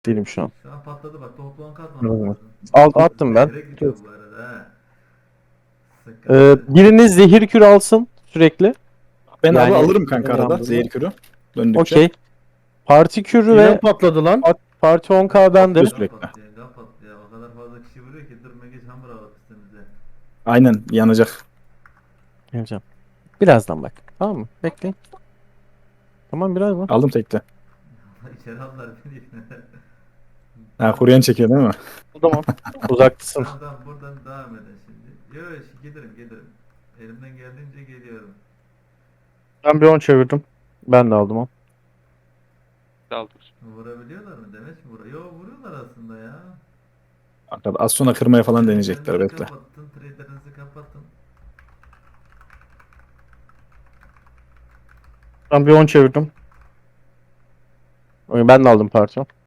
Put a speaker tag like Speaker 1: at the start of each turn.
Speaker 1: Değilim şu an.
Speaker 2: Şu an patladı bak, toplam katmamış
Speaker 1: Evet.
Speaker 2: lazım.
Speaker 1: Attım ben.
Speaker 2: Zehre gidiyor bu arada ha. Sıkıntı.
Speaker 1: Biriniz zehir kür alsın sürekli.
Speaker 3: Ben abi
Speaker 1: Yani
Speaker 3: alırım kanka arada
Speaker 1: yandırma.
Speaker 3: zehir kürü. Döndükçe.
Speaker 1: Okey. Parti kürü
Speaker 4: Yine mi
Speaker 1: ve
Speaker 4: patladı lan?
Speaker 1: parti 10k bende.
Speaker 3: Patlıyor.
Speaker 2: Gaz
Speaker 3: Sürekli.
Speaker 2: patlıyor, gaz patlıyor. O kadar fazla kişi vuruyor ki dur Megeç hamur alalım üstümüze.
Speaker 3: Aynen yanacak.
Speaker 1: Yapacağım. Birazdan bak. Tamam mı? Bekleyin. Tamam birazdan.
Speaker 3: Aldım tekte.
Speaker 2: İçeri aldılar beni.
Speaker 3: Ha kuruyan çekiyor değil mi?
Speaker 1: Tamam. Uzaktasın.
Speaker 2: Tamam tamam, buradan devam edin şimdi. Yok yok, gelirim. Elimden geldiğince geliyorum.
Speaker 4: Ben bir 10 çevirdim.
Speaker 1: Ben de aldım o.
Speaker 5: Daldır.
Speaker 2: Vurabiliyorlar mı? Demeç mi vuruyor? Yok, vuruyorlar aslında ya.
Speaker 3: Arkada az sonra kırmaya falan deneyecekler
Speaker 2: Trader'ınızı
Speaker 3: bekle.
Speaker 2: kapatın, trader'ınızı kapatın.
Speaker 4: Ben bir 10 çevirdim.
Speaker 1: Ben de aldım parti.